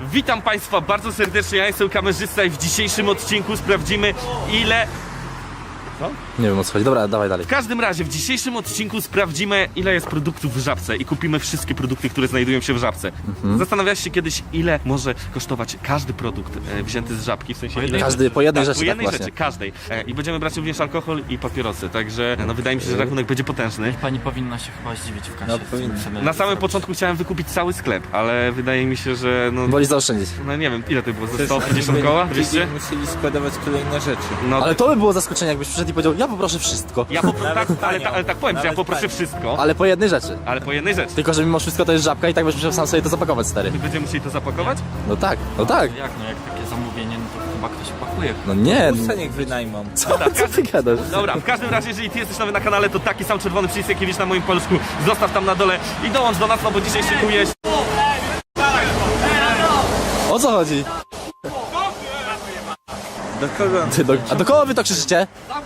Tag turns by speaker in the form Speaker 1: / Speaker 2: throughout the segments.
Speaker 1: Witam Państwa bardzo serdecznie, ja jestem kamerzysta i w dzisiejszym odcinku sprawdzimy ile... Co?
Speaker 2: Nie wiem o co chodzi, dobra, dawaj dalej.
Speaker 1: W każdym razie w dzisiejszym odcinku sprawdzimy ile jest produktów w Żabce i kupimy wszystkie produkty, które znajdują się w Żabce. Zastanawiałeś się kiedyś ile może kosztować każdy produkt wzięty z Żabki, w sensie ile...
Speaker 2: Każdy po jednej rzeczy,
Speaker 1: po jednej
Speaker 2: tak
Speaker 1: rzeczy,
Speaker 2: właśnie.
Speaker 1: każdej. I będziemy brać również alkohol i papierosy, także no wydaje mi się, że rachunek będzie potężny.
Speaker 3: Pani powinna się chyba zdziwić w kasie.
Speaker 2: No, powinna.
Speaker 1: Na samym początku chciałem wykupić cały sklep, ale wydaje mi się, że no...
Speaker 2: Wolisz zaoszczędzić.
Speaker 1: No nie wiem, ile to było? Ze 150 koła? 200?
Speaker 4: Musieli składować kolejne rzeczy.
Speaker 1: No,
Speaker 2: Ale to by było zaskoczenie, jakbyś przyszedł i powiedział, ja poproszę wszystko.
Speaker 1: ja tak, ale tak powiem, że ja poproszę wszystko,
Speaker 2: Ale po jednej rzeczy.
Speaker 1: ale po jednej rzeczy.
Speaker 2: Tylko, że mimo wszystko to jest Żabka i tak będziesz musiał sam sobie to zapakować, stary.
Speaker 1: Będziemy musieli to zapakować?
Speaker 2: No tak, no tak.
Speaker 3: Jak no, jak takie zamówienie, no to chyba ktoś pakuje.
Speaker 2: No nie,
Speaker 4: Pusta niech wynajmą.
Speaker 2: co ty gadasz?
Speaker 1: Dobra, w każdym razie, jeżeli ty jesteś nowy na kanale, to taki sam czerwony przycisk, jaki widzisz na moim paluszku, zostaw tam na dole i dołącz do nas, no bo dzisiaj szykujesz...
Speaker 2: O co chodzi?
Speaker 4: Do kogo?
Speaker 2: A do kogo wy to krzyczycie?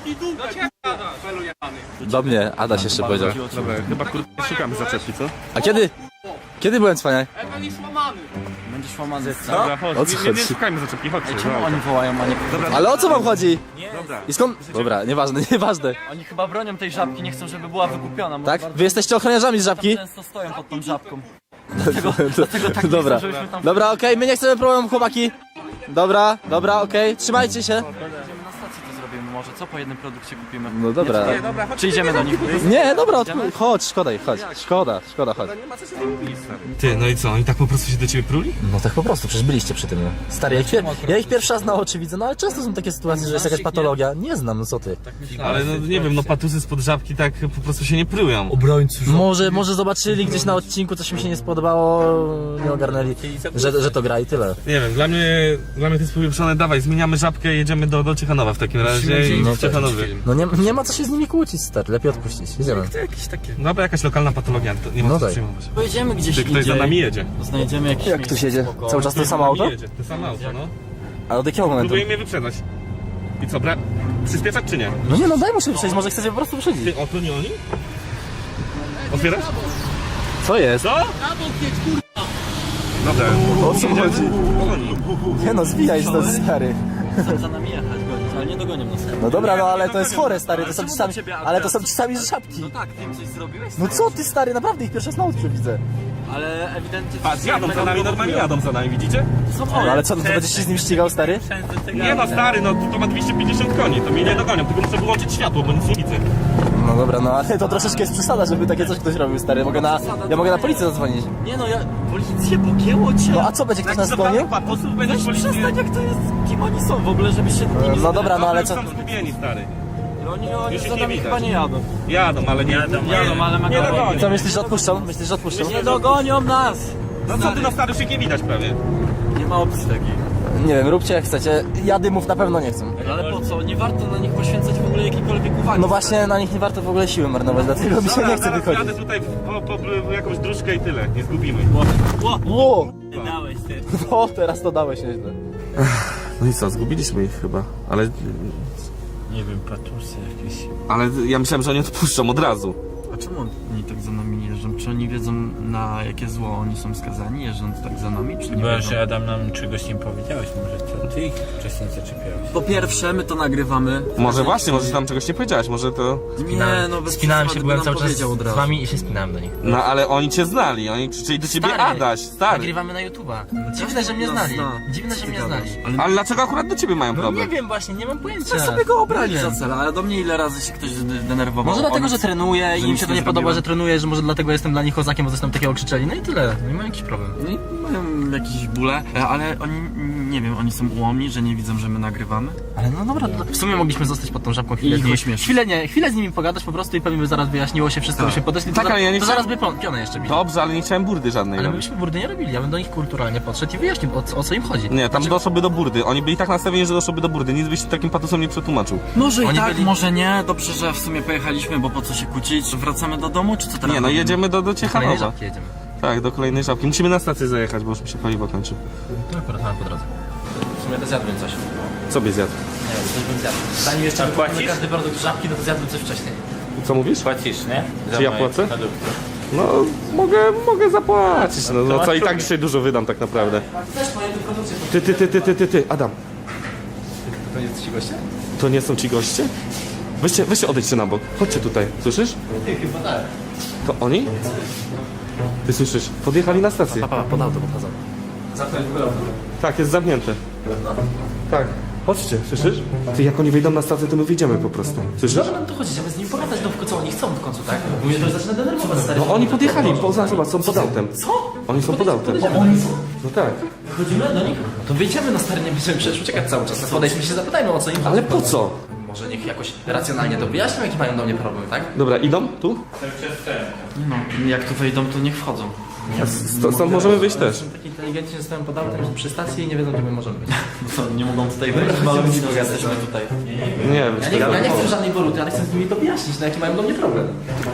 Speaker 2: Do mnie, Adaś jeszcze powiedział.
Speaker 1: Dobra, chyba szukamy zaczepki, co?
Speaker 2: A kiedy? Kiedy byłem cwaniak?
Speaker 3: Będziesz łamany.
Speaker 1: Dobra, chodź,
Speaker 2: O co
Speaker 1: nie
Speaker 2: chodzi?
Speaker 1: szukajmy zaczepki, chodźcie.
Speaker 3: Czemu
Speaker 1: dobra.
Speaker 3: oni wołają, a nie...
Speaker 2: Ale o co wam chodzi?
Speaker 1: Dobra.
Speaker 2: I skąd? Dobra, nieważne, nieważne.
Speaker 3: Oni chyba bronią tej żabki, nie chcą, żeby była wykupiona.
Speaker 2: Tak? Wy jesteście ochroniarzami z Żabki?
Speaker 3: Często stoją pod tą żabką. Dlatego tak
Speaker 2: Dobra,
Speaker 3: nie chcą, żebyśmy tam...
Speaker 2: dobra, okej, my nie chcemy problemu, chłopaki. Dobra, okej, trzymajcie się.
Speaker 3: Idziemy na stację to zrobimy może, co po jednym produkcie kupimy?
Speaker 2: No dobra.
Speaker 1: Nie, dobra, chodź.
Speaker 3: Czy idziemy do nich?
Speaker 2: Nie, dobra, chodź, szkoda ich, chodź. Szkoda, chodź.
Speaker 1: Ty, no i co, oni tak po prostu się do ciebie pruli?
Speaker 2: No tak po prostu, przecież byliście przy tym. No. Stary, ja ich pierwszy raz na oczy widzę, no ale często są takie sytuacje, że jest jakaś patologia. Nie znam, no co ty.
Speaker 1: Ale no nie wiem, no patusy spod żabki tak po prostu się nie prują.
Speaker 2: Może zobaczyli gdzieś na odcinku, coś mi się nie spodobało, nie ogarnęli, że to gra i tyle.
Speaker 1: Nie wiem, dla mnie to jest powieprzone, dawaj, zmieniamy żabkę i jedziemy do Ciechanowa w takim razie i
Speaker 2: No
Speaker 1: w Ciechanowie.
Speaker 2: No nie ma co się z nimi kłócić, stary, lepiej odpuścić, jedziemy.
Speaker 1: To jakieś takie... Dobra, jakaś lokalna patologia, to nie ma
Speaker 2: No
Speaker 1: co
Speaker 2: tak.
Speaker 1: przejmować.
Speaker 3: Pojedziemy gdzieś
Speaker 1: Ty, ktoś za
Speaker 3: indziej.
Speaker 1: nami jedzie.
Speaker 3: Znajdziemy jakieś
Speaker 2: Jak
Speaker 3: miejsce
Speaker 2: tu siedzie?
Speaker 3: spokojne.
Speaker 2: Cały czas to samo auto?
Speaker 1: Jedzie, to samo auto, no.
Speaker 2: A od jakiego momentu?
Speaker 1: Próbuje mnie wyprzedzać. I co, przyspieszać czy nie?
Speaker 2: No nie no, daj mu się przejść, może chcecie po prostu wyprzedzić.
Speaker 1: Ty, o, to nie oni? Otwierasz?
Speaker 2: Co jest?
Speaker 1: Co? Dobra.
Speaker 2: O co chodzi?
Speaker 1: Oni.
Speaker 2: Nie no, zbijaj stąd, stary.
Speaker 3: Chcą za nami jechać, gonić, ale nie dogonią nas.
Speaker 2: No dobra, no ale to jest chore, stary, to są
Speaker 3: Czemu
Speaker 2: ci sami,
Speaker 3: do ciebie
Speaker 2: ale to są
Speaker 3: akurat?
Speaker 2: ci sami z Żabki.
Speaker 3: No tak, ty im coś zrobiłeś?
Speaker 2: No co ty, stary, naprawdę ich pierwszy raz na oczy widzę.
Speaker 3: Ale ewidentnie...
Speaker 1: Patrz, jadą za nami, normalnie jadą za nami, widzicie?
Speaker 3: Są
Speaker 2: No
Speaker 3: one.
Speaker 2: ale co, no to będziesz się z nim ścigał, stary?
Speaker 1: Nie no, stary, no to ma 250 koni, to mnie nie dogonią, tylko muszę wyłączyć światło, bo nic nie widzę.
Speaker 2: No dobra, no ale to troszeczkę jest przesada, żeby takie coś ktoś robił, stary. Ja mogę na policję zadzwonić.
Speaker 3: Nie no, policję pogięło cię.
Speaker 2: No a co, będzie ktoś nas gonił?
Speaker 1: Patusów będziesz
Speaker 3: Weź przestań, jak to jest, kim oni są w ogóle, żeby się nimi...
Speaker 2: No dobra, no ale co?
Speaker 1: Są zgubieni, stary.
Speaker 3: Oni
Speaker 1: Już ich
Speaker 3: za
Speaker 1: nie
Speaker 3: nami
Speaker 1: widać.
Speaker 3: chyba nie jadą.
Speaker 1: Jadą, ale nie...
Speaker 3: Jadą, ale
Speaker 1: nie
Speaker 3: mega
Speaker 1: dogonią.
Speaker 2: Co, myślisz, że odpuszczą? Myślisz, że odpuszczą?
Speaker 3: Nie dogonią nas!
Speaker 1: No co ty, no stary, już ich nie widać prawie.
Speaker 3: Nie ma opcji takiej.
Speaker 2: Nie wiem, róbcie jak chcecie. Ja dymów na pewno nie chcę.
Speaker 3: Ale po co? Nie warto na nich poświęcać w ogóle jakiejkolwiek uwagi.
Speaker 2: No właśnie, na nich nie warto w ogóle siły marnować, dlatego mi się nie chce
Speaker 1: Zaraz
Speaker 2: wychodzić.
Speaker 1: jadę tutaj po jakąś dróżkę i tyle, nie zgubimy.
Speaker 2: Ło!
Speaker 3: Dałeś ty.
Speaker 2: No, teraz to dałeś nieźle.
Speaker 1: No i co, zgubiliśmy ich chyba, ale...
Speaker 3: Nie wiem, patusy jakieś.
Speaker 1: Ale ja myślałem, że oni odpuszczą od razu.
Speaker 3: A czemu oni tak za nami jeżdżą? Czy oni wiedzą, na jakie zło oni są skazani, jeżdżąc tak za nami, czy nie
Speaker 4: Chyba,
Speaker 3: wiedzą?
Speaker 4: że Adam nam czegoś nie powiedziałeś, może to ty ich wcześniej zaczepiałeś.
Speaker 3: Po pierwsze, my to nagrywamy.
Speaker 1: Może właśnie, może tam czegoś nie powiedziałeś, może to...
Speaker 3: Nie, no bez
Speaker 5: Spinałem się,
Speaker 3: przesady,
Speaker 5: byłem
Speaker 3: by nam
Speaker 5: cały czas
Speaker 3: powiedział od
Speaker 5: z
Speaker 3: razu.
Speaker 5: wami i się spinałem do nich.
Speaker 1: No ale oni cię znali, oni krzyczeli do ciebie Adaś, stary.
Speaker 5: Nagrywamy na YouTube'a. Dziwne, że mnie
Speaker 3: nas
Speaker 5: znali.
Speaker 3: zna.
Speaker 5: Dziwne, że mnie znali.
Speaker 1: Ale dlaczego akurat do ciebie mają
Speaker 5: No nie
Speaker 1: problem?
Speaker 5: wiem właśnie, nie mam pojęcia.
Speaker 3: Tak sobie go obrali
Speaker 5: Nie
Speaker 3: za
Speaker 5: wiem.
Speaker 3: cel, ale do mnie ile razy się ktoś denerwował.
Speaker 5: Może dlatego,
Speaker 3: Oni-
Speaker 5: że trenuję i im
Speaker 3: nic
Speaker 5: się to
Speaker 3: nie
Speaker 5: nie podoba,
Speaker 3: zrobiłem.
Speaker 5: że trenuję, że może dlatego jestem dla nich kozakiem, bo coś tam takiego krzyczeli. No i tyle. Nie mam jakiś problem.
Speaker 3: No i mają jakieś bóle, ale oni, nie wiem, oni są ułomni, że nie widzą, że my nagrywamy.
Speaker 5: Ale no dobra, w sumie mogliśmy zostać pod tą żabką chwilę.
Speaker 3: I ich
Speaker 5: z nimi-
Speaker 3: ośmieszyć.
Speaker 5: chwilę z nimi pogadać po prostu i pewnie by zaraz wyjaśniło się wszystko, by się podeszli.
Speaker 1: Tak, ale ja nie
Speaker 5: to
Speaker 1: chciałem-
Speaker 5: zaraz by pionę jeszcze bili.
Speaker 1: Dobrze, ale nie chciałem burdy żadnej
Speaker 5: Ale my
Speaker 1: robić.
Speaker 5: byśmy burdy nie robili, ja bym do nich kulturalnie podszedł i wyjaśnił o co im chodzi.
Speaker 1: Nie, tam doszłoby do burdy. Oni byli tak nastawieni, że doszłoby do burdy. Nic byś takim patusom nie przetłumaczył.
Speaker 3: Może i
Speaker 5: Oni
Speaker 3: tak,
Speaker 5: byli-
Speaker 3: może nie. Dobrze, że w sumie pojechaliśmy, bo po co się kłócić? Wracamy do domu, czy co teraz?
Speaker 1: Nie, no
Speaker 3: robimy?
Speaker 1: jedziemy do
Speaker 5: Kolejnej
Speaker 1: Ciechanowa.
Speaker 5: żabki jedziemy.
Speaker 1: Tak, do kolejnej żabki. Musimy na stację zajechać, bo już mi się paliwo kończy.
Speaker 5: To akurat mamy po drodze. W sumie to zjadłem coś.
Speaker 1: Co byś zjadł?
Speaker 5: Nie wiem, coś bym zjadł. Zanim jeszcze
Speaker 4: A płacisz?
Speaker 5: każdy produkt żabki, no to zjadłem coś wcześniej.
Speaker 1: Co mówisz?
Speaker 4: Płacisz, nie?
Speaker 1: Czy ja płacę?
Speaker 4: Produkty.
Speaker 1: No, mogę zapłacić, no co i tak dzisiaj dużo wydam tak naprawdę. Ty, Adam.
Speaker 2: To nie jest ci goście?
Speaker 1: To nie są ci goście? Weźcie odejdźcie na bok. Chodźcie tutaj, słyszysz?
Speaker 2: Chyba tak.
Speaker 1: To oni? Ty słyszysz? Podjechali na stację.
Speaker 2: Pod auto pokazał. Zamknąć w ogóle auto.
Speaker 1: Tak, jest zamknięte. Tak. Chodźcie, słyszysz? Ty, jak oni wejdą na stację, to my wyjdziemy po prostu. Słyszysz?
Speaker 2: Dobra, no to chodź, idziemy z nimi pogadać, no co oni chcą w końcu, tak? Bo mnie to już zaczyna denerwować, stary.
Speaker 1: No oni podjechali, zobacz, są pod autem.
Speaker 2: Co?
Speaker 1: Oni są pod autem.
Speaker 2: Oni są?
Speaker 1: No tak.
Speaker 2: Chodzimy do nich? No to wyjdziemy na stary, nie będziemy przecież uciekać cały czas. Podejdźmy się, zapytajmy o co im chodzi.
Speaker 1: Ale po co?
Speaker 2: Może niech jakoś racjonalnie to wyjaśnią, jaki mają do mnie problem, tak?
Speaker 1: Dobra, idą tu?
Speaker 3: No, jak tu wejdą, to niech wchodzą.
Speaker 1: Stąd możemy wyjść też.
Speaker 2: Są tak inteligentni, że stoją pod autem przy stacji i nie wiedzą, gdzie my możemy być.
Speaker 3: No co, nie mogą tutaj wejść?
Speaker 2: Mamy jesteśmy tutaj.
Speaker 1: Nie wiem.
Speaker 2: Ja nie chcę żadnej waluty, ale chcę z nimi to wyjaśnić, no jaki mają do mnie problem.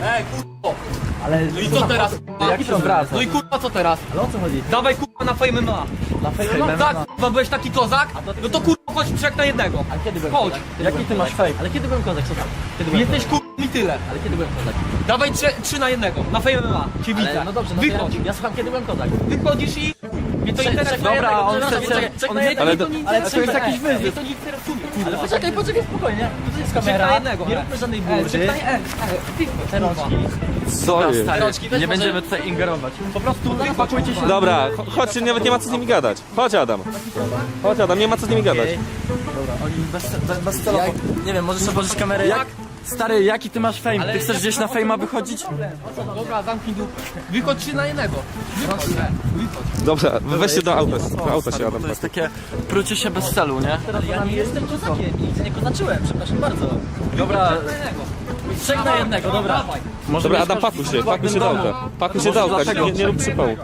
Speaker 6: No i co teraz?
Speaker 2: Jaki to wraca?
Speaker 6: No i kurwa co teraz?
Speaker 2: Ale o co chodzi?
Speaker 6: Dawaj kurwa na Fame MMA.
Speaker 2: Na fejmie
Speaker 6: No tak, kurwa byłeś taki kozak? No to kurwa chodź trzech na jednego.
Speaker 2: Ale kiedy byłem
Speaker 6: Chodź.
Speaker 2: kozak? Jaki ty masz fame? Ale kiedy byłem kozak? Co tam? Kiedy byłem
Speaker 6: Jesteś kurwa i tyle.
Speaker 2: Ale kiedy byłem kozak?
Speaker 6: Dawaj trzy na jednego. Na Fame MMA. Cię widzę.
Speaker 2: Ale no dobrze, no to
Speaker 6: Wychodź.
Speaker 2: ja słucham kiedy byłem kozak.
Speaker 6: Wychodzisz i... Mnie to interesuje.
Speaker 2: Dobra, on chce-
Speaker 6: Ale to jest jakiś wyzyw. Mnie to nie interesuje.
Speaker 2: Ale poczekaj, spokojnie. Tu jest
Speaker 6: Trzech
Speaker 2: kamera,
Speaker 6: na jednego.
Speaker 2: nie róbmy żadnej
Speaker 6: Trzech
Speaker 2: burzy.
Speaker 6: na jednego.
Speaker 1: Co jest?
Speaker 2: Rączki, weź
Speaker 3: Nie
Speaker 2: może-
Speaker 3: będziemy tutaj ingerować.
Speaker 6: Po prostu wypakujcie się.
Speaker 1: Dobra, chodźcie, nawet nie ma co z nimi gadać. Chodź Adam. Chodź Adam, nie ma co z nimi gadać.
Speaker 2: Bez telefonu. Nie wiem, możesz otworzyć kamerę jak?
Speaker 3: Stary, jaki ty masz fame? Ty chcesz gdzieś na fejma wychodzić?
Speaker 6: Dobra, zamknij dupę. Wychodź 3 na jednego. Wychodź.
Speaker 1: Dobra, weźcie do auta. Do auta się Adam.
Speaker 3: To jest takie prucie się bez celu, nie?
Speaker 2: Ale ja nie jestem kozakiem, nigdy nie kozaczyłem, przepraszam bardzo. Dobra, trzech na jednego, dobra.
Speaker 3: Może
Speaker 1: Dobra,
Speaker 3: mieć
Speaker 1: Adam, pakuj się do auta. Pakuj się do auta, nie rób przypału.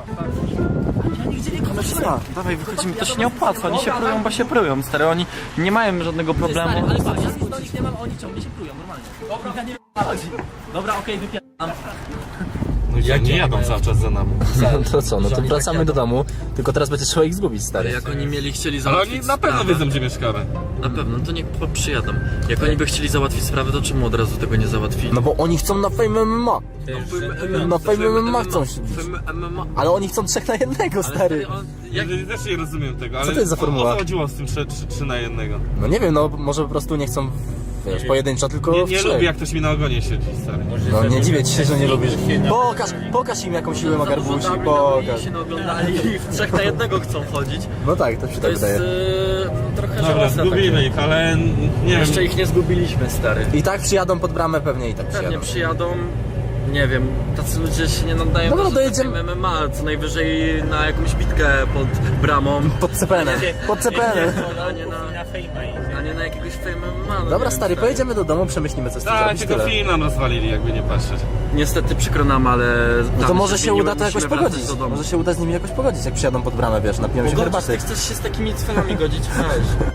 Speaker 3: Dawaj, wychodzimy, to się nie opłaca, oni się prują, bo się prują, stary, oni nie mają żadnego problemu.
Speaker 2: Ale patrz, ja do nich nie mam, a oni ciągle się prują, normalnie. Dobra, ja nie wiem, o co chodzi. Dobra, okej, wypieram.
Speaker 1: Jak nie jadą cały czas za nami.
Speaker 2: To co, no to wracamy do domu, tylko teraz będzie trzeba ich zgubić, stary.
Speaker 3: Jak oni chcieli
Speaker 1: Ale
Speaker 3: załatwić
Speaker 1: oni na pewno
Speaker 3: sprawę,
Speaker 1: wiedzą, gdzie mieszkamy.
Speaker 3: Na pewno, to niech przyjadą. Jak oni by chcieli załatwić sprawę, to czemu od razu tego nie załatwili?
Speaker 2: No bo oni chcą na Fame MMA. Na Fame MMA chcą się.
Speaker 3: MMA.
Speaker 2: Ale oni chcą trzech na jednego, stary.
Speaker 1: Ja też nie rozumiem tego, ale
Speaker 2: to jest za formuła?
Speaker 1: o co chodziło z tym 3 na 1?
Speaker 2: No nie wiem, no może po prostu nie chcą, wiesz, pojedynczo, tylko w
Speaker 1: Nie
Speaker 2: trzech.
Speaker 1: lubię, jak ktoś mi na ogonie siedzi, stary.
Speaker 2: No nie dziwię ci się, że nie lubisz. Pokaż im jaką siłę ma garbusi, pokaż.
Speaker 3: się oglądali i w 3 na 1 chcą chodzić.
Speaker 2: No tak, to się
Speaker 3: To
Speaker 2: tak
Speaker 3: jest
Speaker 2: wydaje.
Speaker 3: trochę
Speaker 1: Dobra,
Speaker 3: żałosne.
Speaker 1: zgubimy ich, ale nie wiem.
Speaker 3: Jeszcze ich nie zgubiliśmy, stary.
Speaker 2: I tak przyjadą pod bramę, pewnie i tak
Speaker 3: Pewnie
Speaker 2: przyjadą.
Speaker 3: przyjadą, nie wiem, tacy ludzie się nie nadają
Speaker 2: Dobra,
Speaker 3: do
Speaker 2: dojedziemy.
Speaker 3: MMA, co najwyżej na jakąś bitkę pod bramą.
Speaker 2: Pod CPN-em, pod CPN-em.
Speaker 3: A nie na jakiegoś fame MMA. no
Speaker 2: Dobra
Speaker 3: nie
Speaker 2: stary,
Speaker 3: wiem,
Speaker 2: pojedziemy do domu, przemyślimy co z tym
Speaker 1: Tak,
Speaker 2: zrobić,
Speaker 1: tylko
Speaker 2: tyle.
Speaker 1: film nam rozwalili, jakby nie patrzeć.
Speaker 3: Niestety przykro nam, ale...
Speaker 2: No to może się uda to jakoś
Speaker 3: musimy wracać
Speaker 2: pogodzić.
Speaker 3: do domu.
Speaker 2: Może się uda z nimi jakoś pogodzić, jak przyjadą pod bramę, wiesz, napijemy się
Speaker 3: Pogodzić,
Speaker 2: herbaty.
Speaker 3: ty chcesz się z takimi cwelami godzić? Weź.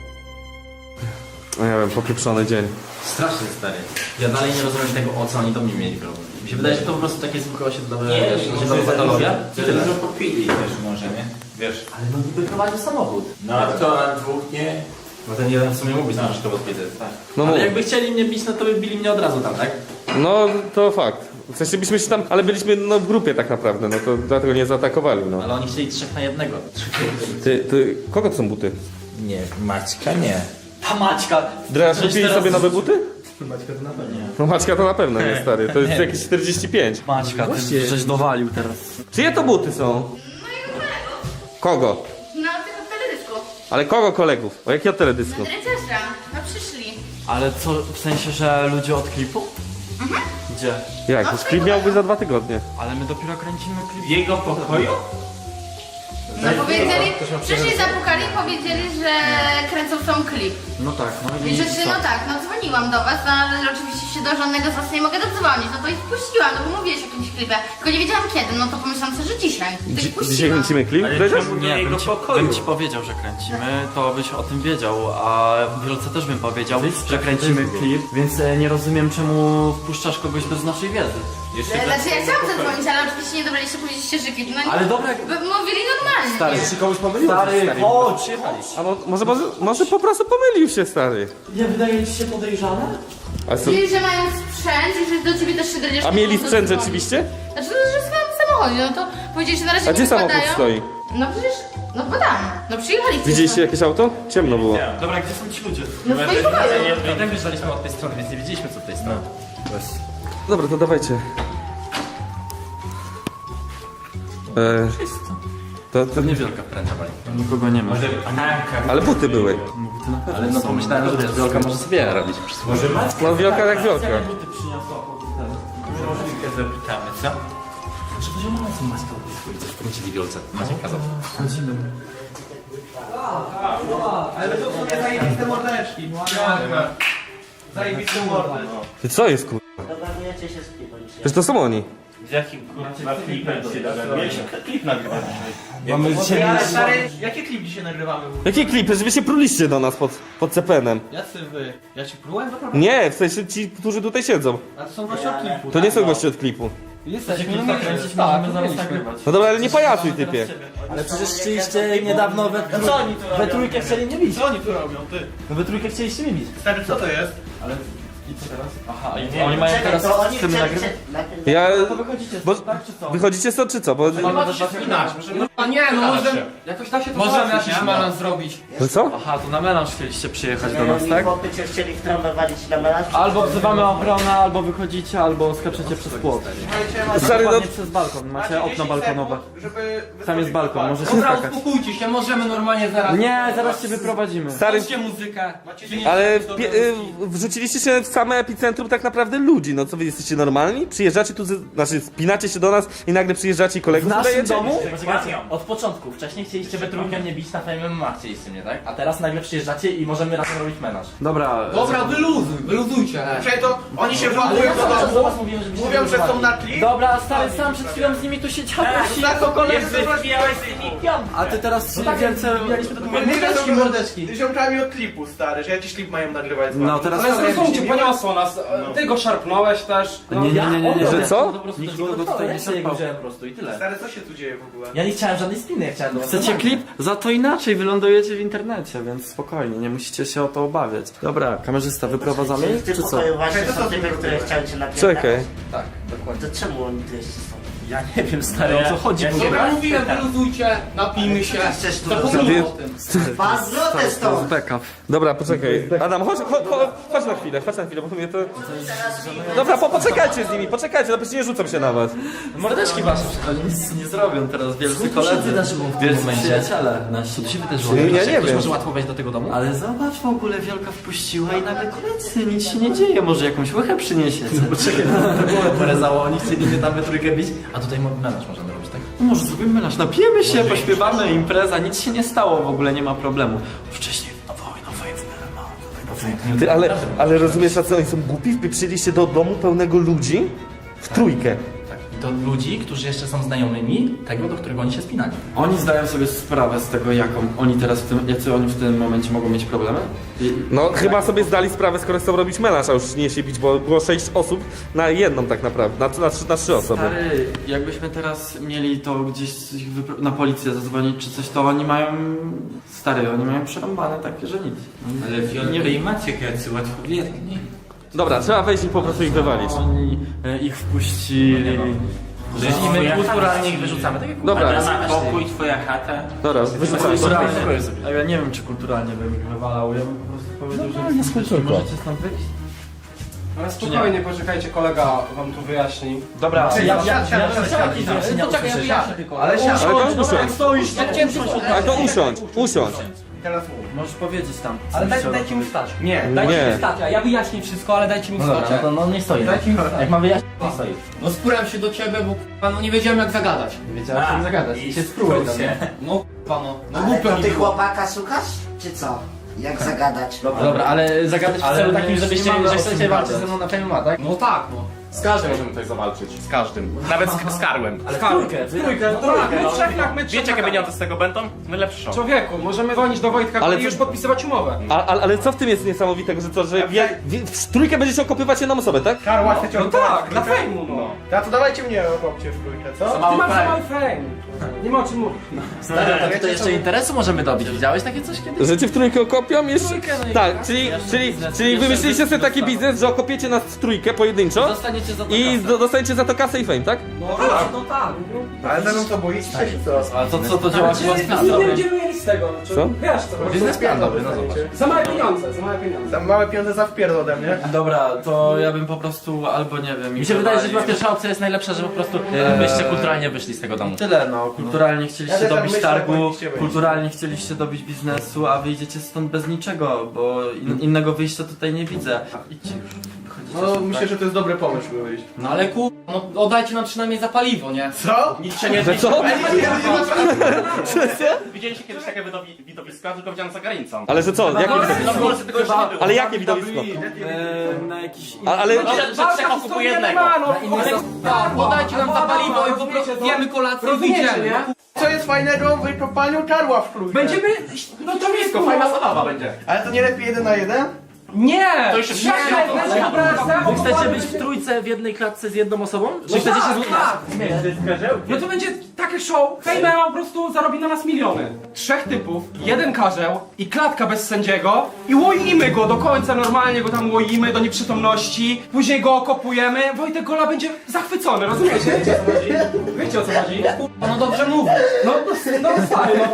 Speaker 1: No nie wiem, popieprzony dzień.
Speaker 2: Strasznie stary. Ja dalej nie rozumiem tego, o co oni do mnie mieli problem. Mi się wydaje, że to po prostu takie zwykłe osiedlowe, osiedlowa patologia. I tyle.
Speaker 4: Dużo popili też może, nie? Wiesz.
Speaker 2: Ale no niby prowadził samochód.
Speaker 4: No a kto, a dwóch nie?
Speaker 2: No ten jeden w sumie mógł być na przykład odbity, tak.
Speaker 1: No,
Speaker 2: Ale
Speaker 1: mów.
Speaker 2: jakby chcieli mnie bić, no to by bili mnie od razu tam, tak?
Speaker 1: No to fakt. W sensie byliśmy się tam, ale byliśmy no, w grupie tak naprawdę, no to dlatego nie zaatakowali, no.
Speaker 2: Ale oni chcieli 3 na 1.
Speaker 1: Ty, kogo to są buty?
Speaker 4: Nie, Maćka nie.
Speaker 2: Ta Maćka!
Speaker 1: Dreas, kupili sobie nowe buty?
Speaker 2: Maćka to na pewno.
Speaker 1: No Maćka to na pewno nie, stary, to jest jakieś 45.
Speaker 3: Maćka, ty żeś dowalił teraz.
Speaker 1: Czyje to buty są? Kogo?
Speaker 7: No, tylko w teledysku.
Speaker 1: Ale kogo kolegów? O jakiego teledysku?
Speaker 7: Dredziarza, no przyszli.
Speaker 3: Ale co, w sensie, że ludzie od klipu? Gdzie?
Speaker 1: Jak? Już klip miałby za 2 tygodnie.
Speaker 3: Ale my dopiero kręcimy klip.
Speaker 4: W jego pokoju?
Speaker 7: No powiedzieli, przyszli, zapukali i powiedzieli, że kręcą sam klip.
Speaker 3: No tak, no
Speaker 7: I rzeczy, no tak, no dzwoniłam do was, no, ale oczywiście się do żadnego z was nie mogę dodzwonić, no to ich wpuściłam, no bo mówiłeś o jakimś klipie, tylko nie wiedziałam kiedy, no to pomyślałam sobie, że dzisiaj. To ich
Speaker 1: Dzisiaj
Speaker 7: puściłam.
Speaker 1: kręcimy klip, Dredziarz?
Speaker 3: Nie, bym ci powiedział, że kręcimy, to byś o tym wiedział, a Wielce też bym powiedział, że kręcimy klip, więc nie rozumiem czemu wpuszczasz kogoś bez naszej wiedzy.
Speaker 7: Znaczy ja chciałam zadzwonić, ale oczywiście nie dobraliście, powiedzieliście, że klip, no
Speaker 2: Ale dobra,
Speaker 7: mówili normalnie.
Speaker 2: stary, czy komuś pomyliło?
Speaker 3: Stary,
Speaker 2: chodź!
Speaker 1: A może po prostu pomylił się, stary.
Speaker 2: Nie wydaje ci się podejrzane?
Speaker 1: A co?
Speaker 7: Mówili, że mają sprzęt i że do ciebie też się dredziesz.
Speaker 1: A mieli sprzęt rzeczywiście?
Speaker 7: Znaczy, no, że w swoim samochodzie, no to powiedzieli, że na razie
Speaker 1: A
Speaker 7: nie
Speaker 1: gdzie samochód
Speaker 7: wypadają.
Speaker 1: stoi?
Speaker 7: No przecież, no bo tam, no przyjechali.
Speaker 1: Widzieliście jakieś auto? Ciemno było.
Speaker 3: Dobra, gdzie są ci ludzie?
Speaker 7: No w swoim pokoju.
Speaker 2: I tak wyjeżdżaliśmy od tej strony, więc nie wiedzieliśmy co od tej strony.
Speaker 1: Dobra, to dawajcie. To
Speaker 2: Niewielka wkręta pani.
Speaker 3: Nikogo nie ma.
Speaker 1: ale buty były.
Speaker 2: Ale no pomyślałem, że wiesz, Wiolka może sobie robić przysługę.
Speaker 1: No wielka jak wielka.
Speaker 3: Buty przyniosła.
Speaker 2: Zapytamy, co? Może poziom mamy tą maskę od tej swojej, coś powiedzieli Wiolce. Macie kazał.
Speaker 6: Ale to są te zajebiste mordeczki. Zajebiste mordy.
Speaker 1: Ty co jest kur...
Speaker 8: Dogadujecie się z klipem.
Speaker 1: Przecież to są oni.
Speaker 8: Z jakim kurwa klipem się dogadujecie? Klip nagrywamy.
Speaker 6: Mamy dzisiaj... Ale stary, jaki klip dzisiaj nagrywamy?
Speaker 1: Jakie klipy? Że wy się pruliście do nas pod CPN-em.
Speaker 6: Jacy wy? Ja ci próbowałem naprawdę?
Speaker 1: Nie, w sensie ci, którzy tutaj siedzą.
Speaker 6: A to są goście od klipu.
Speaker 1: To nie są goście od klipu.
Speaker 6: Jesteśmy,
Speaker 3: Klip nakręcić, możemy zaraz nagrywać.
Speaker 1: No dobra, ale nie pajacuj typie.
Speaker 5: Ale przecież chcieliście niedawno we trójkę chcieli mnie bić.
Speaker 6: Co oni tu robią, ty?
Speaker 5: No we trójkę chcieliście mnie bić.
Speaker 6: Stary, co to jest?
Speaker 3: Aha, i oni mają teraz
Speaker 8: to oni
Speaker 3: z tym
Speaker 8: chcieli
Speaker 3: nagrywać?
Speaker 1: Ja...
Speaker 5: To wychodzicie
Speaker 1: Bo...
Speaker 5: stąd, tak czy co?
Speaker 1: Wychodzicie stąd czy co? Bo...
Speaker 6: Możemy się spinać. A nie, no możemy... Jakoś tak się to możemy jakiś melanż zrobić.
Speaker 1: No co?
Speaker 3: Aha, to na melanż chcieliście przyjechać do nas, tak?
Speaker 8: Chłopy cię chcieli w trąbę walić na melanż.
Speaker 3: Albo wzywamy ochronę, albo wychodzicie, albo skaczecie przez płot.
Speaker 1: Stary, no...
Speaker 3: Dokładnie przez balkon, macie okno balkonowe. Tam jest balkon, możecie
Speaker 6: Dobra,
Speaker 3: skakać.
Speaker 6: uspokójcie się, możemy normalnie zaraz...
Speaker 3: Nie, zaraz cię wyprowadzimy.
Speaker 1: Stary...
Speaker 6: Puśćcie muzykę.
Speaker 1: Ale wrzuciliście się w same epicentrum tak naprawdę ludzi, no co wy jesteście normalni? Przyjeżdżacie tu, znaczy spinacie się do nas i nagle przyjeżdżacie i
Speaker 5: W
Speaker 1: kolegów
Speaker 5: naszym
Speaker 1: udajecie?
Speaker 5: domu? Poczekajcie, od początku. Wcześniej chcieliście we trójkę mnie bić na Fame MMA, chcieliście mnie, tak? A teraz nagle przyjeżdżacie i możemy razem robić menaż.
Speaker 3: Dobra,
Speaker 6: Dobra, wyluzujcie. Przecież to oni się włamują do
Speaker 5: cały czas do
Speaker 6: domu.
Speaker 5: was mówiłem, żebyście
Speaker 6: Mówią, że są
Speaker 5: wyzwali.
Speaker 6: na klip.
Speaker 3: Dobra, stary, sam przed chwilą z nimi tu siedziałeś i
Speaker 6: Tak,
Speaker 3: po koledzy.
Speaker 5: A ty teraz wielce...
Speaker 6: My też mordeczki. Ziomkami od klipu, stary, że jakiś klip mają nagrywać z wami.
Speaker 3: No teraz...
Speaker 9: Ale zrozumcie, poniosło nas. Ty go szarpnąłeś też.
Speaker 3: Nie,
Speaker 1: Że co?
Speaker 3: Nikt nikogo tutaj nie
Speaker 5: Ja się jego
Speaker 3: szarpał.
Speaker 5: wziąłem po prostu i tyle.
Speaker 6: Stary, co się tu dzieje w ogóle?
Speaker 5: Ja nie chciałem żadnej spiny, ja chciałem do was
Speaker 3: Chcecie
Speaker 5: normalnie.
Speaker 3: klip? Za to inaczej wylądujecie w internecie, więc spokojnie, nie musicie się o to obawiać. Dobra, kamerzysta, wyprowadzamy
Speaker 8: Czyli
Speaker 3: ich,
Speaker 8: w tym
Speaker 3: czy co?
Speaker 8: pokoju właśnie są typy, które chciały cię napierdać.
Speaker 1: Czekaj.
Speaker 8: Tak, dokładnie. To czemu oni tu jeszcze są?
Speaker 5: Ja nie wiem, stary, o co chodzi w ogóle.
Speaker 6: Dobra, mówiłem, wyluzujcie, napijmy się.
Speaker 8: Chcesz tu
Speaker 6: Zapomnijmy o tym.
Speaker 8: Paznotę stąd!
Speaker 3: Backup.
Speaker 1: Dobra, poczekaj. Adam, chodź na chwilę, bo mnie to... Dobra, poczekajcie z nimi, poczekajcie, no przecież nie rzucam się na was.
Speaker 3: Mordeczki wasze, oni nic nie zrobią teraz, wielcy koledzy.
Speaker 5: wydarzyło w tym
Speaker 3: Wielcy
Speaker 5: momencie?
Speaker 3: przyjaciele.
Speaker 2: Co tu się wydarzyło?
Speaker 1: Ja nie
Speaker 2: Ktoś
Speaker 1: wiem.
Speaker 2: może łatwo wejść do tego domu?
Speaker 3: Ale zobacz, w ogóle Wielka wpuściła i nagle koledzy, nic się nie dzieje, może jakąś łychę przyniesiecie.
Speaker 2: Poczekaj, to było porezało, oni chcieli mnie tam we trójkę bić, a tutaj melanż możemy robić, tak?
Speaker 3: No może zrobimy melanż, napijemy się, pośpiewamy, impreza, nic się nie stało, w ogóle nie ma problemu. Wcześniej, no
Speaker 1: Ty, ale rozumiesz, a co, oni są głupi? Wpieprzyliście do domu pełnego ludzi w trójkę.
Speaker 2: Tak. Do ludzi, którzy jeszcze są znajomymi tego, do którego oni się spinali.
Speaker 3: Oni zdają sobie sprawę z tego, jacy oni w tym momencie mogą mieć problemy?
Speaker 1: No chyba sobie zdali sprawę, skoro chcą robić melanż, a już nie się bić, bo było 6 osób na jedną tak naprawdę, na 3 osoby.
Speaker 3: Stary, jakbyśmy teraz mieli to gdzieś na policję zadzwonić czy coś, to oni mają... Stary, oni mają przerąbane takie, że nic.
Speaker 9: Ale Wiolka i Maciek jacy łatwowierni.
Speaker 1: Dobra, trzeba wejść i po prostu ich wywalić.
Speaker 3: Oni ich wpuścili...
Speaker 2: I my kulturalnie ich wyrzucamy, tak jak
Speaker 1: Dobra,
Speaker 9: Spokój, twoja chata.
Speaker 1: dobra, wyrzucamy.
Speaker 3: A ja nie wiem, czy kulturalnie bym ich wywalał, ja bym po prostu powiedział, że możecie stąd wyjść.
Speaker 9: Ale spokojnie, poczekajcie, kolega wam tu wyjaśni.
Speaker 5: Dobra,
Speaker 6: Poczekaj, ja wyjaśnię tylko.
Speaker 5: ale
Speaker 1: Ale to usiądź,
Speaker 6: Ja chciałem tylko...
Speaker 1: ale to usiądź.
Speaker 6: Teraz mów.
Speaker 3: Możesz powiedzieć tam.
Speaker 6: Ale dajcie mi wstać.
Speaker 9: Nie.
Speaker 1: Nie.
Speaker 6: Wstać, a ja wyjaśnię wszystko, ale dajcie mi
Speaker 5: No
Speaker 6: wstać.
Speaker 5: dobra, no to no nie stoi.
Speaker 6: Dajcie mi wstać.
Speaker 5: Jak ma wyjaśnić, nie stoi.
Speaker 6: No spurałem się do ciebie, bo k***a, no nie wiedziałem jak zagadać.
Speaker 5: Wiedziałem, że zagadać. I się spróbuj tam, nie?
Speaker 6: No k***a, no. No
Speaker 8: Ale
Speaker 6: głupio
Speaker 8: to
Speaker 6: mi
Speaker 8: ty
Speaker 6: było.
Speaker 8: chłopaka szukasz? Czy co? Jak zagadać?
Speaker 5: Dobra, ale zagadać w
Speaker 3: Ale
Speaker 5: celu
Speaker 3: my
Speaker 5: takim,
Speaker 3: jeszcze
Speaker 5: żebyście,
Speaker 3: nie mamy
Speaker 5: że
Speaker 3: o
Speaker 5: chcecie
Speaker 3: czym
Speaker 5: walczyć
Speaker 3: gadać.
Speaker 5: ze mną na Fame MMA, tak?
Speaker 6: No tak, no. Z każdym możemy tutaj zawalczyć. Z każdym. Nawet z Karłem.
Speaker 5: Ale w trójkę,
Speaker 9: My trzech tak, my trzech
Speaker 6: Wiecie, jakie
Speaker 9: tak.
Speaker 6: pieniądze z tego będą? Najlepszy show.
Speaker 9: Człowieku, możemy dzwonić do Wojtka
Speaker 1: Ale
Speaker 9: i
Speaker 1: co-
Speaker 9: już podpisywać umowę.
Speaker 1: Ale co w tym jest niesamowitego, że co, że w trójkę będziecie okopywać jedną osobę, tak?
Speaker 8: Karła, chcecie
Speaker 9: No tak, dla fejmu, no.
Speaker 8: A to dawajcie mnie okopcie w trójkę, co?
Speaker 9: Ty masz za mały fame. Nie ma o czym mówić.
Speaker 5: Stary, to tutaj jeszcze interesu możemy dobić. Widziałeś takie coś kiedyś?
Speaker 1: Że cię w trójkę okopią jeszcze?
Speaker 5: Trójkę, no i
Speaker 1: Tak,
Speaker 5: tak,
Speaker 1: czyli
Speaker 5: jeszcze
Speaker 1: wymyśliliście sobie taki
Speaker 5: dostanę.
Speaker 1: biznes, że okopiecie nas w trójkę pojedynczo
Speaker 5: Dostaniecie za to
Speaker 1: i
Speaker 5: kasę.
Speaker 1: dostaniecie za to kasę i fame, tak?
Speaker 9: No tak.
Speaker 8: Ale ze mną to boicie się, co?
Speaker 5: A to co, to działa chyba z
Speaker 9: Nie będziemy mieli z tego.
Speaker 1: Co?
Speaker 9: Wiesz co?
Speaker 5: Biznesplan dobry, no zobacz.
Speaker 9: Za małe pieniądze, za małe pieniądze.
Speaker 8: Tam małe pieniądze za wpierdol ode mnie.
Speaker 3: Dobra, to ja bym po prostu albo nie wiem...
Speaker 5: Mi się wydaje, że chyba pierwsza opcja jest najlepsza, że po prostu byście kulturalnie wyszli z tego domu.
Speaker 3: Tyle no, kulturalnie chcieliście
Speaker 8: Ja też tak
Speaker 3: dobić
Speaker 8: myślę,
Speaker 3: targu,
Speaker 8: powinniście wyjść.
Speaker 3: kulturalnie chcieliście dobić biznesu, a wyjdziecie stąd bez niczego, bo innego wyjścia tutaj nie widzę. Idźcie już, wychodzicie.
Speaker 8: No myślę, że to jest dobry pomysł, by wyjść.
Speaker 6: No ale no oddajcie nam przynajmniej za paliwo, nie?
Speaker 8: Co?
Speaker 6: Nic się nie
Speaker 1: Że co?
Speaker 6: Widzieliście kiedyś takie widowiska, tylko widziałem za granicą.
Speaker 1: Ale że co? Jakie
Speaker 6: No
Speaker 1: widowisko?
Speaker 6: w Polsce tego jeszcze nie było.
Speaker 1: Ale jakie widowisko?
Speaker 3: Na jakiś
Speaker 1: Ale...
Speaker 6: No, że trzech okupuje jednego.
Speaker 8: Tak,
Speaker 6: Podajcie nam za paliwo i po prostu zjemy kolację i
Speaker 9: Rozumiecie,
Speaker 6: wyjdziemy.
Speaker 9: nie?
Speaker 8: Co jest fajnego w wykopaniu karła w trójkę?
Speaker 9: Będziemy... No to jest
Speaker 6: Wszystko, fajna zabawa będzie.
Speaker 8: Ale to nie lepiej 1 na 1?
Speaker 9: Nie!
Speaker 6: To już jest
Speaker 9: Trzech
Speaker 6: wszystko.
Speaker 9: będzie dobra
Speaker 5: Wy chcecie być w trójce w jednej klatce z jedną osobą? Czy chcecie się
Speaker 9: No to będzie takie show. Fejmer po prostu zarobi na nas miliony. 3 typów, 1 karzeł i klatka bez sędziego i łoimy go do końca, normalnie go tam łoimy do nieprzytomności. Później go okopujemy. Wojtek Gola będzie zachwycony, rozumiecie? Wiecie o co chodzi? Wiecie o co chodzi?
Speaker 6: No dobrze mówi.
Speaker 9: No stary, no.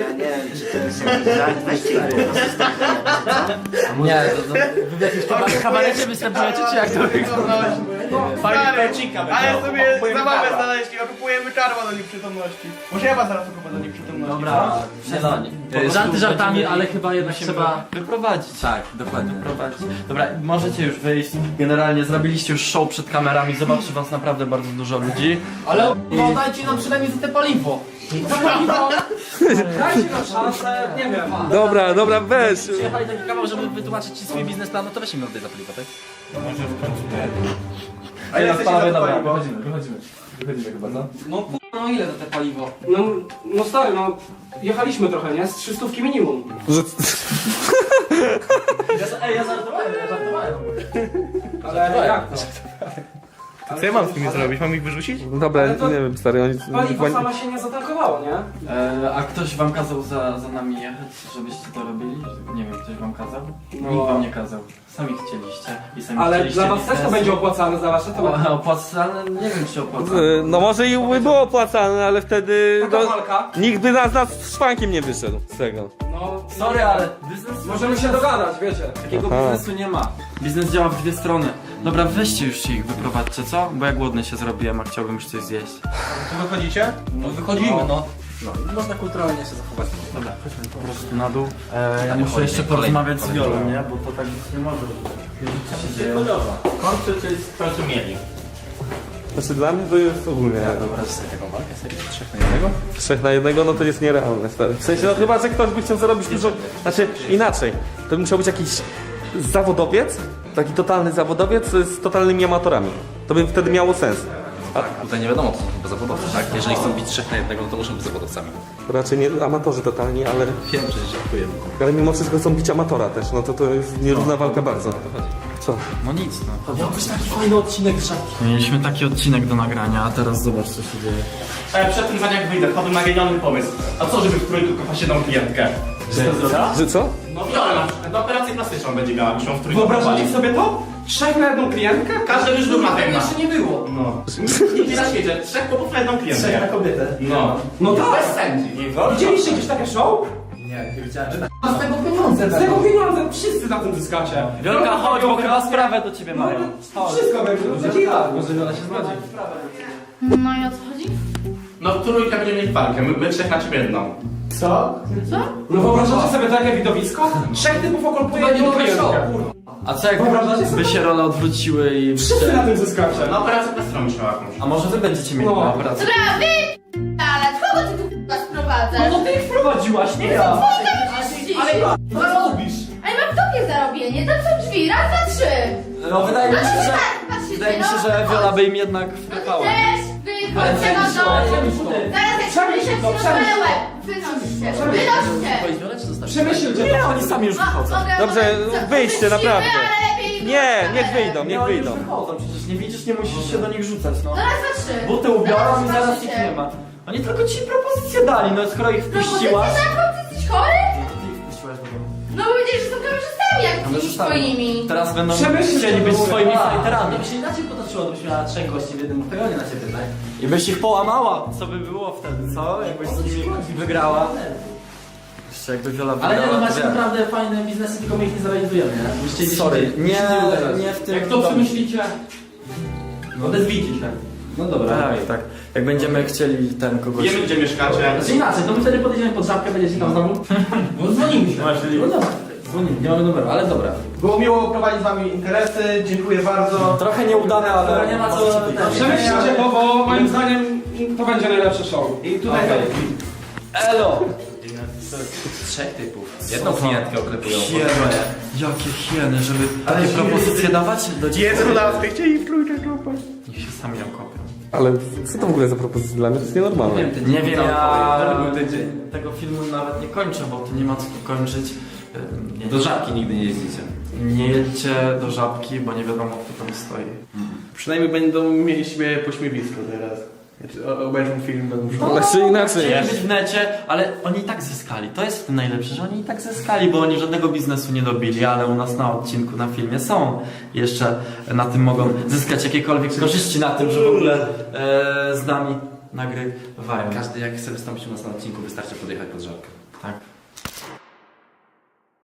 Speaker 5: Nie, wy w jakimś kabarecie występujecie, czy jak to wygląda?
Speaker 8: Stary, ale sobie zabawę znaleźli, okupujemy karła do nieprzytomności. Może ja was zaraz okupię do nieprzytomności.
Speaker 5: Dobra, żarty żartami, ale chyba jednak trzeba...
Speaker 3: wyprowadzić.
Speaker 5: Tak, dokładnie.
Speaker 3: Wyprowadzić. Dobra, możecie już wyjść. Generalnie zrobiliście już show przed kamerami, zobaczy was naprawdę bardzo dużo ludzi.
Speaker 6: Ale no dajcie nam przynajmniej za te paliwo.
Speaker 9: Dajcie nam szansę, nie wiem.
Speaker 1: Dobra, weź.
Speaker 5: Przyjechali taki kawał, żeby wytłumaczyć ci swój biznesplan, no to weź im oddaj za paliwo, tak?
Speaker 8: A ja jesteście za to paliwo.
Speaker 6: Wychodzimy chyba, co? No ile za te paliwo?
Speaker 9: No stary, no jechaliśmy trochę, nie? Z 300 minimum.
Speaker 5: Ja żartowałem.
Speaker 9: Ale jak to?
Speaker 8: Co ja mam z nimi zrobić? Mam ich wyrzucić?
Speaker 1: Dobra,
Speaker 9: Ale to-
Speaker 1: nie wiem, stary, oni...
Speaker 9: Paliwo sama się nie zatankowało, nie?
Speaker 3: A ktoś wam kazał za nami jechać, żebyście to robili? Nie wiem, ktoś wam kazał?
Speaker 9: No.
Speaker 3: Nikt wam nie kazał. Sami chcieliście i sami
Speaker 9: Ale
Speaker 3: chcieliście
Speaker 9: dla was też to
Speaker 3: biznesu.
Speaker 9: będzie opłacalne, za wasze to...
Speaker 3: Opłacalne? Nie wiem czy opłacalne.
Speaker 1: No może i by było opłacalne, ale wtedy...
Speaker 9: Taka
Speaker 1: No,
Speaker 9: walka.
Speaker 1: nikt by nas szwankiem nie wyszedł z tego.
Speaker 9: No,
Speaker 3: Sorry, ale biznes...
Speaker 9: możemy się dogadać, wiecie.
Speaker 3: Takiego
Speaker 1: Aha.
Speaker 3: biznesu nie ma. Biznes działa w dwie strony. Dobra, weźcie już się ich wyprowadźcie, co? Bo ja głodny się zrobiłem, a chciałbym już coś zjeść.
Speaker 8: Tu wychodzicie?
Speaker 6: No wychodzimy, no.
Speaker 5: Można kulturalnie się zachować.
Speaker 3: Dobra, chodźmy po prostu na dół. Ja muszę jeszcze porozmawiać z Wiolą, nie? Bo to tak być nie może. Co się dzieje?
Speaker 8: Kończy, czy w końcu mieli.
Speaker 1: Znaczy dla mnie to jest ogólnie...
Speaker 5: Dobra, taką walkę serio? 3 na 1?
Speaker 1: 3 na 1, no to jest nierealne, stary. W sensie, no chyba, że ktoś by chciał zarobić dużo... Znaczy, inaczej. To by musiał być jakiś zawodowiec, taki totalny zawodowiec z totalnymi amatorami. To by wtedy miało sens.
Speaker 2: Tutaj nie wiadomo, co są to zawodowcy, tak? Jeżeli chcą bić 3 na 1, no to muszą być zawodowcami.
Speaker 1: Raczej nie amatorzy totalni, ale...
Speaker 2: Wiem, przecież żartujemy.
Speaker 1: Ale mimo wszystko chcą bić amatora też, no to jest nierówna walka bardzo. Co?
Speaker 3: No nic, no.
Speaker 5: Miał być taki fajny odcinek z żabki.
Speaker 3: Mieliśmy taki odcinek do nagrania, a teraz zobacz co się dzieje.
Speaker 6: Przed tym zanim jak wyjdę, wpadłem na genialny pomysł. A co, żeby w trójkę kopać jedną klientkę?
Speaker 1: Że co?
Speaker 6: No Wiolę na przykład, do operację plastyczną będzie miała, muszą w trójkę
Speaker 9: Wyobrażacie
Speaker 6: kopali.
Speaker 9: sobie to? 3 na 1 klientkę?
Speaker 6: Każdy już był na tym.
Speaker 5: Jeszcze nie było.
Speaker 6: No. Nigdzie na świecie, 3 chłopów na jedną klientkę.
Speaker 5: na kobietę.
Speaker 6: No.
Speaker 9: No tak.
Speaker 6: Bez sędzi.
Speaker 9: Widzieliście gdzieś takie show?
Speaker 5: Nie widziałem, że
Speaker 6: Z tego pieniądze
Speaker 9: Z tego pieniądze wszyscy na tym zyskacie.
Speaker 3: Wielka, chodź, bo chyba sprawę do ciebie mają.
Speaker 9: Wszystko będzie, będzie
Speaker 3: Może Wiola się zgodzi.
Speaker 7: No i o co chodzi?
Speaker 6: No trójka będzie mieć walkę, my 3 na ciebie jedną.
Speaker 8: Co?
Speaker 7: Co?
Speaker 9: No wyobrażacie sobie takie widowisko? 3 typów okolpuje jedną klientkę.
Speaker 3: A co jak
Speaker 9: Wyobrażacie sobie?
Speaker 3: by się role odwróciły i...
Speaker 9: Wszyscy na tym zyskacie.
Speaker 6: Na operację plastyczną już miała jakąś.
Speaker 3: A może wy będziecie mieli
Speaker 9: No.
Speaker 3: na operację?
Speaker 7: Dobra, ale kogo ty tu k***a sprowadzasz?
Speaker 9: No to ty ich wprowadziłaś, nie ja.
Speaker 7: Ale
Speaker 6: Co robisz?
Speaker 7: mam w tobie zarobienie, tam są drzwi, raz, dwa, trzy.
Speaker 3: No wydaje mi
Speaker 7: No
Speaker 3: się,
Speaker 7: to
Speaker 3: że...
Speaker 7: tak, patrzcie
Speaker 3: wydaje mi się, że Wiola by im jednak wklepała.
Speaker 7: Też wychodźcie na dół. Zaraz jak przyjdziecie na łeb. Wynoście. Wynoście.
Speaker 9: Przemyślcie
Speaker 3: Nie, oni sami już wychodzą.
Speaker 1: Dobrze, wyjdźcie, naprawdę. Nie, niech wyjdą, niech
Speaker 3: Nie, oni już
Speaker 1: wyjdą.
Speaker 3: wychodzą, przecież nie widzisz, nie musisz się do nich rzucać, no.
Speaker 7: Zaraz za 3.
Speaker 3: Buty ubiorą i zaraz ich nie ma. Oni tylko ci propozycję dali, no skoro ich wpuściłaś...
Speaker 7: Ty jesteś chory?
Speaker 3: To ty ich wpuściłaś do domu.
Speaker 7: No bo powiedzieli, że są kamerzystami jak tymi swoimi.
Speaker 3: Teraz będą
Speaker 9: Przemyślcie
Speaker 3: chcieli być
Speaker 9: to,
Speaker 3: swoimi
Speaker 2: To
Speaker 3: fighterami.
Speaker 2: by się inaczej potoczyło, gdybyś miała 3 gości w jednym pejonie na ciebie, tak?
Speaker 3: I byś ich połamała. Co by było wtedy, co? Jakbyś z nimi wygrała. Jeszcze jakby Wiola
Speaker 2: Ale
Speaker 3: wygrała,
Speaker 2: nie, no
Speaker 3: to
Speaker 2: macie
Speaker 3: wiesz.
Speaker 2: naprawdę fajne biznesy, tylko my ich nie zrealizujemy, nie? Musicie gdzieś
Speaker 3: Sorry,
Speaker 2: indziej-
Speaker 3: nie,
Speaker 2: gdzieś indziej uderzać.
Speaker 3: nie w tym...
Speaker 9: Jak to przemyślicie?
Speaker 2: No odezwijcie się. No dobra.
Speaker 3: Tak, tak. Jak będziemy chcieli ten kogoś...
Speaker 8: Wiemy, gdzie mieszkacie.
Speaker 2: Znaczy inaczej, to my wtedy podejdziemy pod żabkę, będziecie tam znowu. No dzwonimy się. No dobra, dzwonimy, nie mamy numeru, ale dobra.
Speaker 8: Było miło prowadzić z wami interesy, dziękuję bardzo.
Speaker 3: Trochę nieudane, ale...
Speaker 2: Dobra, nie ma co...
Speaker 9: Przemyślcie to, bo moim zdaniem to będzie najlepsze show.
Speaker 8: I tutaj
Speaker 3: Elo!
Speaker 2: 3 typów. Jedną klientkę oklepują.
Speaker 3: Hieny. Jakie hieny, żeby takie propozycje dawać do dzieci.
Speaker 8: 11 chcieli w trójkę grupę.
Speaker 3: Niech się sami nam kopią.
Speaker 1: Ale co to w ogóle za propozycja dla mnie? To jest nienormalne.
Speaker 3: Nie wiem, ja
Speaker 2: był tydzień.
Speaker 3: tego filmu nawet nie kończę, bo tu nie ma co tu kończyć.
Speaker 2: Do żabki nigdy nie jeździcie.
Speaker 3: Nie jedźcie do żabki, bo nie wiadomo kto tam stoi.
Speaker 8: Przynajmniej będą mieli siebie pośmiewisko teraz. Obejrzą film, będą szukać.
Speaker 1: Znaczy inaczej.
Speaker 3: Chcieli być w necie, ale oni i tak zyskali. To jest w tym najlepsze, że oni i tak zyskali, bo oni żadnego biznesu nie dobili, ale u nas na odcinku, na filmie są. Jeszcze na tym mogą zyskać jakiekolwiek korzyści na tym, że w ogóle z nami nagrywają.
Speaker 2: Każdy jak chce wystąpić u nas na odcinku, wystarczy podjechać pod żabkę.
Speaker 3: Tak.